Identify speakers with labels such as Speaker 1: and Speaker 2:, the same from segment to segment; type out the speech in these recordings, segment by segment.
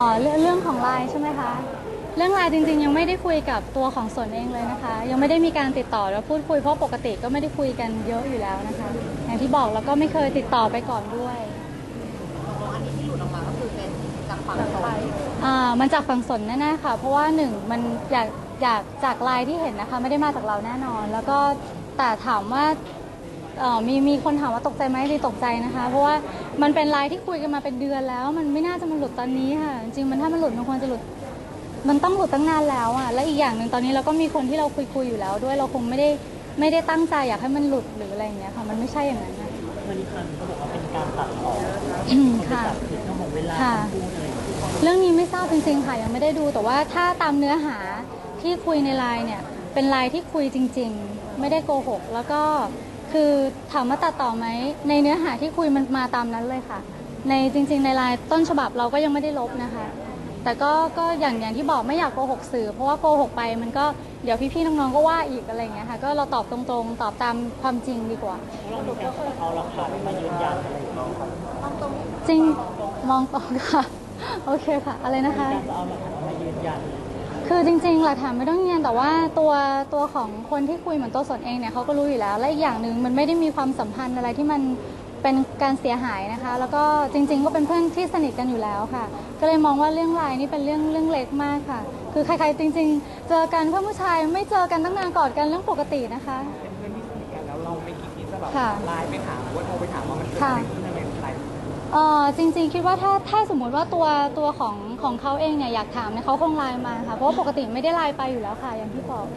Speaker 1: เรื่องของไลน์ใช่ไหมคะเรื่องไลน์จริงๆยังไม่ได้คุยกับตัวของสนเองเลยนะคะยังไม่ได้มีการติดต่อแล้วพูดคุยเพราะปกติก็ไม่ได้คุยกันเยอะอยู่แล้วนะคะอย่างที่บอกแล้วก็ไม่เคยติดต่อไปก่อนด้วย
Speaker 2: อันนี้ที่หลุดออกมาก็คือเป็นจากฝั่งสน
Speaker 1: มันจากฝั่งสนแน่ๆค่ะเพราะว่าหนึ่งมันอยากจากไลน์ที่เห็นนะคะไม่ได้มาจากเราแน่นอนแล้วก็แต่ถามว่ามีคนถามว่าตกใจไหมดีตกใจนะคะเพราะว่ามันเป็นไลน์ที่คุยกันมาเป็นเดือนแล้วมันไม่น่าจะมาหลุดตอนนี้ค่ะจริงๆมันถ้ามันหลุดมันควรจะหลุดมันต้องหลุดตั้งนานแล้วอ่ะและอีกอย่างหนึ่งตอนนี้เราก็มีคนที่เราคุยอยู่แล้วด้วยเราคงไม่ได้ตั้งใจอยากให้มันหลุดหรืออะไรอย่างเงี้ยค่ะมันไม่ใช่อย่างนั้นนะ
Speaker 3: วันนี้เขาบอกว่าเป็นการตัดต่อ
Speaker 1: ค่ะ
Speaker 3: ผิดเรื่องของเวลาพูดอะไร
Speaker 1: เรื่องนี้ไม่ทราบจริงๆค่ะยังไม่ได้ดูแต่ว่าถ้าตามเนื้อหาที่คุยในไลน์เนี่ยเป็นไลน์ที่คุยจริงๆไม่ได้โกหกแล้วก็คือถามว่าตัดต่อไหมในเนื้อหาที่คุยมันมาตามนั้นเลยค่ะในจริงๆในไลน์ต้นฉบับเราก็ยังไม่ได้ลบนะคะแต่ก็อย่างที่บอกไม่อยากโกหกสื่อเพราะว่าโกหกไปมันก็เดี๋ยวพี่ๆน้องๆก็ว่าอีกอะไรอย่างเงี้ยค่ะก็เราตอบตรงๆตอบตามความจริงดีกว่า
Speaker 3: เรามีการเอาหลักฐานมายืนยันอะไรอย่างเงี้ยครับ
Speaker 1: มองตรงจริงมองตรงค่ะโอเคค่ะอะไรนะคะ
Speaker 3: การจะเอาหลักฐานมายืนยัน
Speaker 1: คือจริงๆหลักฐานไม่ต้องยืนยันแต่ว่าตัวของคนที่คุยเหมือนตัวสนเองเนี่ยเขาก็รู้อยู่แล้วและอีกอย่างหนึ่งมันไม่ได้มีความสัมพันธ์อะไรที่มันเป็นการเสียหายนะคะแล้วก็จริงๆก็เป็นเพื่อนที่สนิทกันอยู่แล้วค่ะก็เลยมองว่าเรื่องไลน์นี่เป็นเรื่องเล็กมากค่ะคือใครๆจริงๆเจอกันเพื่อนผู้ชายไม่เจอกันตั้งนานกอดกันเรื่องปกตินะคะ
Speaker 3: เป็นเพื่อนที่สนิทกันแล้วเราไม่คิดที่จะแบบไลน์ไปถามหรือว่าโทรไปถามว่ามันเกิดอะไรขึ้นอะไร
Speaker 1: จริงๆคิดว่าถ้าสมมุติว่าตัวของเขาเองเนี่ยอยากถามเนี่ยเขาคงไลน์มาค่ะเพราะว่าปกติไม่ได้ไลน์ไปอยู่แล้วค่ะอย่างที่บอก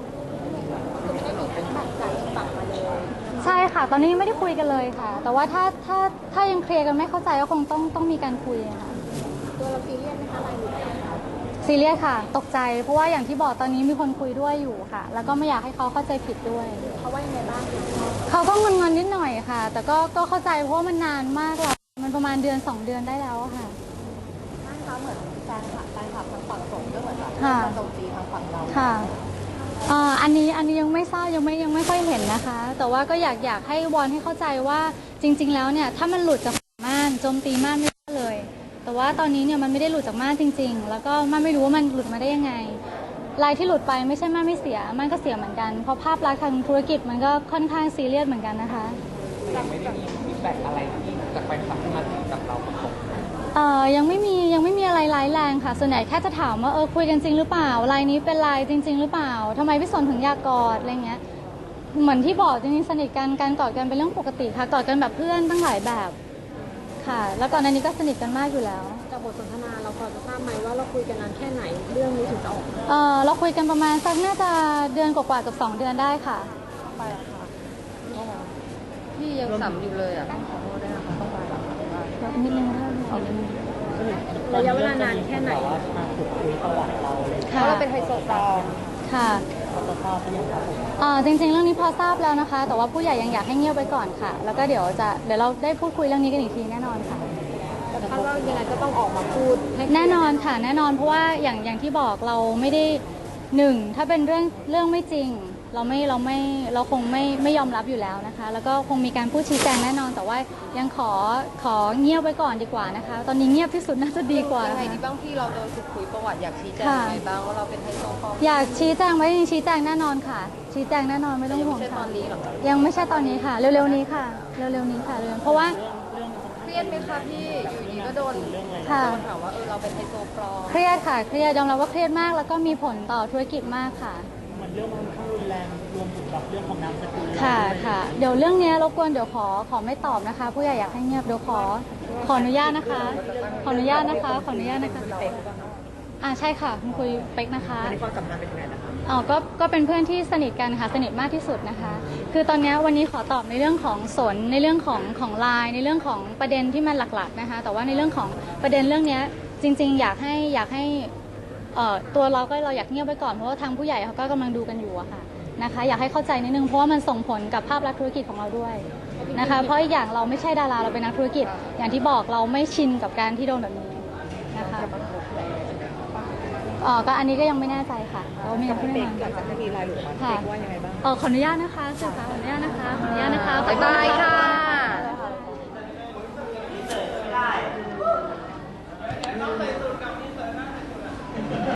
Speaker 1: ใช่ค่ะตอนนี้ไม่ได้คุยกันเลยค่ะแต่ว่าถ้ายังเคลียร์กันไม่เข้าใจก็คงต้องมีการคุยค่ะ
Speaker 2: ตัวเราซีเรียสไหมคะไลน์หลุด
Speaker 1: ซีเรียสค่ะตกใจเพราะว่าอย่างที่บอกตอนนี้มีคนคุยด้วยอยู่ค่ะแล้วก็ไม่อยากให้เขาเข้าใจผิดด้วย
Speaker 2: เขาว่ายังไงบ้าง
Speaker 1: เขาก็งอนๆนิดหน่อยค่ะแต่ก็เข้าใจเพราะว่ามันนานมากแล้วมันประมาณ2 เดือนได้แล้วค่ะ
Speaker 2: ใช่ค่ะเหมือนแฟนคลับทางฝั่งสนก็เหมือนแบบโจมตีทางฝั่งเรา
Speaker 1: ค่ะอันนี้ยังไม่ทราบยังไม่ค่อยเห็นนะคะแต่ว่าก็อยากให้วอนให้เข้าใจว่าจริงๆแล้วเนี่ยถ้ามันหลุดจากม่านโจมตีม่านไม่ได้เลยแต่ว่าตอนนี้เนี่ยมันไม่ได้หลุดจากม่านจริงๆแล้วก็ม่านไม่รู้ว่ามันหลุดมาได้ยังไงลายที่หลุดไปไม่ใช่ม่านไม่เสียม่านก็เสียเหมือนกันเพราะภาพลักษณ์ทางธุรกิจมันก็ค่อนข้างซีเรียสเหมือนกันนะคะ
Speaker 3: ยังไม่ได้มีฟีดแบ็กอะไรที่จากแฟนคลับที่มาถึงกับเราตรง
Speaker 1: ยังไม่มีอะไรร้ายแรงค่ะส่วนใหญ่แค่จะถามว่าคุยกันจริงหรือเปล่าไลน์นี้เป็นไลน์จริงๆหรือเปล่าทำไมพี่สนถึงอยากกอดอะไรเงี้ยเหมือนที่บอกจริงๆสนิทกันการกอดกันเป็นเรื่องปกติค่ะกอดกันแบบเพื่อนตั้งหลายแบบค่ะแล้วก่อนหน้านี้ก็สนิทกันมากอยู่แล้ว
Speaker 2: จากบทสนทนาเราพอจะทราบไหมว่าเราคุยกันนานแค่ไหนเรื่องนี้ถึงจะออก
Speaker 1: เราคุยกันประมาณสักน่าจะเดือนกว่าๆกับ2 เดือนได้ค่ะ
Speaker 2: ไปค่ะพี่ยังสัมอยู่เลยอ่ะขอโทษด้วยนะคะต้องไป
Speaker 1: แบบนิดนึงค่ะ
Speaker 2: ระยะเวลานานแค่ไหน
Speaker 3: ว่ามาขุดคุยประวัติเราเลย
Speaker 2: เพราะเราเป็นไฮโซปลอม
Speaker 1: ค่ะ
Speaker 3: เขาจะทราบหรือยังครับ
Speaker 1: จริงๆเรื่องนี้พอทราบแล้วนะคะแต่ว่าผู้ใหญ่ยังอยากให้เงียบไว้ก่อนค่ะแล้วก็เดี๋ยวเราได้พูดคุยเรื่องนี้กันอีกทีแน่นอนค่ะ
Speaker 2: คาดว่ายังไงก็ต้องออกมาพูด
Speaker 1: แน่นอนค่ะแน่นอนเพราะว่าอย่างที่บอกเราไม่ได้ถ้าเป็นเรื่องไม่จริงเราคงไม่ยอมรับอยู่แล้วนะคะแล้วก็คงมีการพูดชี้แจงแน่นอนแต่ว่ายังขอเงียบไว้ก่อนดีกว่านะคะตอนนี้เงียบที่สุดน่าจะดีกว่า
Speaker 2: ยังไงดีบ้างที่เราโดนขุดคุยประวัติอยากชี้แจงยังไงบ้างว่าเราเป็นไฮโซปลอม
Speaker 1: อยากชี้แจงไว้ชี้แจงแน่นอนค่ะชี้แจงแน่นอนไม่ต้องห่วงค่ะยังไม่ใช่ตอนนี้ค่ะเร็วๆนี้ค่ะเร็วๆนี้ค่ะเพราะว่า
Speaker 2: เครียดไหมคะพี่อยู่ดีก็โดนถามว่าเราเป็นไฮโซปลอม
Speaker 1: เครียดค่ะเครียดยอมรับว่าเครียดมากแล้วก็มีผลต่อธุรกิจมากค่ะ
Speaker 3: มันเรื่องมันค่อนข้างรุนแรงรวมถึงกับเรื่องของนามสกุล
Speaker 1: ค่ะเดี๋ยวเรื่องนี้รบกวนเดี๋ยวขอไม่ตอบนะคะผู้ใหญ่อยากให้เงียบเดี๋ยวขออนุญาตนะคะขออนุญาตนะคะใช่ค่ะคุณคุยเป๊กนะคะ
Speaker 3: ในความสัมพันธ์เป็นยังไงนะคะ
Speaker 1: ก็เป็นเพื่อนที่สนิทกันค่ะสนิทมากที่สุดนะคะคือตอนนี้วันนี้ขอตอบในเรื่องของสนในเรื่องของไลน์ในเรื่องของประเด็นที่มันหลักๆนะคะแต่ว่าในเรื่องของประเด็นเรื่องนี้จริงๆอยากให้ตัวเราอยากเงียบไว้ก่อนเพราะว่าทางผู้ใหญ่เขาก็กำลังดูกันอยู่อะค่ะนะคะอยากให้เข้าใจนิดนึงเพราะว่ามันส่งผลกับภาพลักษณ์ธุรกิจของเราด้วยนะคะเพราะอีกอย่างเราไม่ใช่ดาราเราเป็นนักธุรกิจอย่างที่บอกเราไม่ชินกับการที่โดนแบบนี้นะคะก็อันนี้ก็ยังไม่แน่ใจค่ะเราไม่ยังไม่ได้
Speaker 3: หลังจากที่มีรายหลุดมาเด็กว่ายังไงบ้าง
Speaker 1: ขออนุญาตนะคะสื่อค่ะขออนุญาตนะคะ
Speaker 2: บ๊ายบายค่ะ